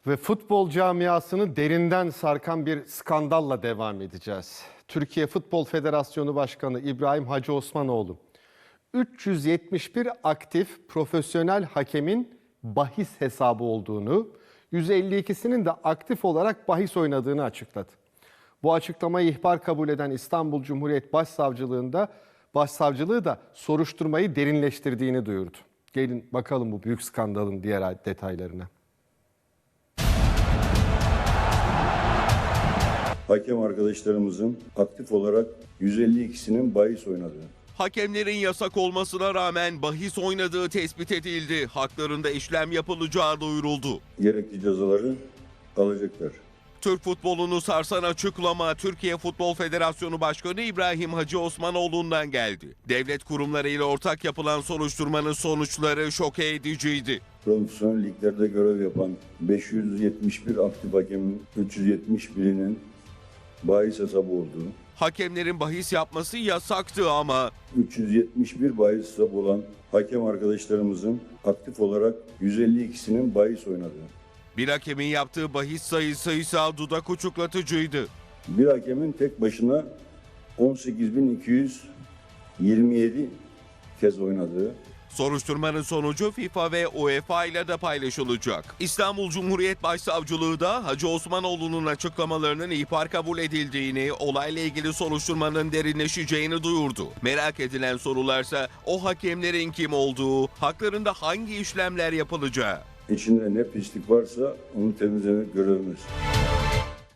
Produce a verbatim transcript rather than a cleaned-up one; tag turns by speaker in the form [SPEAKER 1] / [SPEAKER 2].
[SPEAKER 1] Ve futbol camiasını derinden sarkan bir skandalla devam edeceğiz. Türkiye Futbol Federasyonu Başkanı İbrahim Hacı Osmanoğlu, üç yüz yetmiş bir aktif profesyonel hakemin bahis hesabı olduğunu, yüz elli ikisinin de aktif olarak bahis oynadığını açıkladı. Bu açıklamayı ihbar kabul eden İstanbul Cumhuriyet Başsavcılığında Başsavcılığı da soruşturmayı derinleştirdiğini duyurdu. Gelin bakalım bu büyük skandalın diğer detaylarına.
[SPEAKER 2] Hakem arkadaşlarımızın aktif olarak yüz elli ikisinin bahis oynadığı.
[SPEAKER 3] Hakemlerin yasak olmasına rağmen bahis oynadığı tespit edildi. Haklarında işlem yapılacağı duyuruldu.
[SPEAKER 2] Gerekli cezaları alacaklar.
[SPEAKER 3] Türk futbolunu sarsan açıklama Türkiye Futbol Federasyonu Başkanı İbrahim Hacı Osmanoğlu'ndan geldi. Devlet kurumlarıyla ortak yapılan soruşturmanın sonuçları şoke ediciydi.
[SPEAKER 2] Profesyonel liglerde görev yapan beş yüz yetmiş bir aktif hakemin üç yüz yetmiş birinin bahis hesabı olduğu.
[SPEAKER 3] Hakemlerin bahis yapması yasaktı ama
[SPEAKER 2] üç yüz yetmiş bir bahis hesabı olan hakem arkadaşlarımızın aktif olarak yüz elli ikisinin bahis oynadığı.
[SPEAKER 3] bir hakemin yaptığı bahis sayısı ise dudak uçuklatıcıydı.
[SPEAKER 2] Bir hakemin tek başına on sekiz bin iki yüz yirmi yedi kez oynadığı.
[SPEAKER 3] Soruşturmanın sonucu FIFA ve UEFA ile de paylaşılacak. İstanbul Cumhuriyet Başsavcılığı da Hacı Osmanoğlu'nun açıklamalarının ihbar kabul edildiğini, olayla ilgili soruşturmanın derinleşeceğini duyurdu. Merak edilen sorularsa o hakemlerin kim olduğu, haklarında hangi işlemler yapılacağı.
[SPEAKER 2] İçinde ne pislik varsa onu temizlemek görevimiz.